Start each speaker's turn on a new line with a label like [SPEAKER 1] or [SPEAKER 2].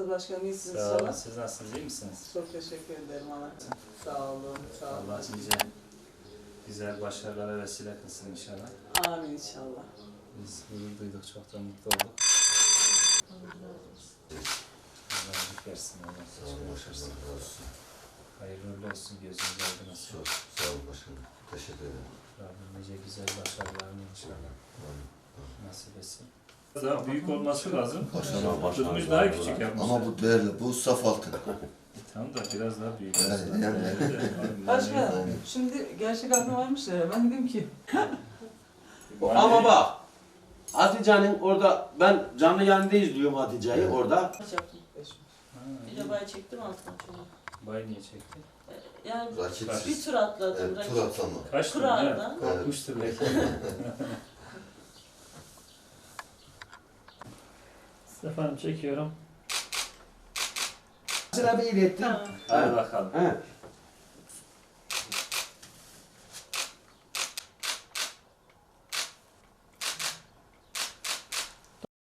[SPEAKER 1] nasılsınız başkanım? İyisiniz
[SPEAKER 2] Sağ olun.
[SPEAKER 1] inşallah.
[SPEAKER 2] Siz nasılsınız? İyi misiniz?
[SPEAKER 1] Çok teşekkür ederim anacığım. Sağ olun, sağ olun.
[SPEAKER 2] Allah nice güzel başarılara vesile kılsın inşallah.
[SPEAKER 1] Amin inşallah.
[SPEAKER 2] Biz gurur duyduk, çok da mutlu olduk. Allah iyilik versin. Allah
[SPEAKER 3] Sağ olun başkanım. Razı olsun.
[SPEAKER 2] hayırlı uğurlu olsun. Gözünüz aydın olsun.
[SPEAKER 3] Çok sağ olun başkanım. Teşekkür ederim.
[SPEAKER 2] Rabbim nice güzel başarılarını inşallah
[SPEAKER 3] Amin.
[SPEAKER 2] nasip etsin. Daha büyük olması lazım.
[SPEAKER 3] Başkanım,
[SPEAKER 2] Tutmuş daha küçük yapmışlar.
[SPEAKER 3] Ama bu değerli, bu saf altın.
[SPEAKER 2] Tamam da biraz daha büyük.
[SPEAKER 3] Evet,
[SPEAKER 2] olsun.
[SPEAKER 3] yani.
[SPEAKER 1] Başkanım, şimdi gerçek aklım varmış ya, ben dedim ki
[SPEAKER 4] Ama bak, Hatice'nin orada, ben canlı yayında izliyorum Hatice'yi orada.
[SPEAKER 5] Kaç yaptım? Bir de bay çektim altına çoğunu.
[SPEAKER 2] Bay niye çekti?
[SPEAKER 5] Yani
[SPEAKER 3] Rakip.
[SPEAKER 5] bir tur atladım.
[SPEAKER 3] Evet, tur atlama.
[SPEAKER 2] Kaç tur?
[SPEAKER 5] Kur'an'dan.
[SPEAKER 2] Korkmuştur belki.
[SPEAKER 4] Efendim çekiyorum. Sıra bir ilettim.
[SPEAKER 5] Tamam.
[SPEAKER 2] Hadi bakalım.
[SPEAKER 4] He.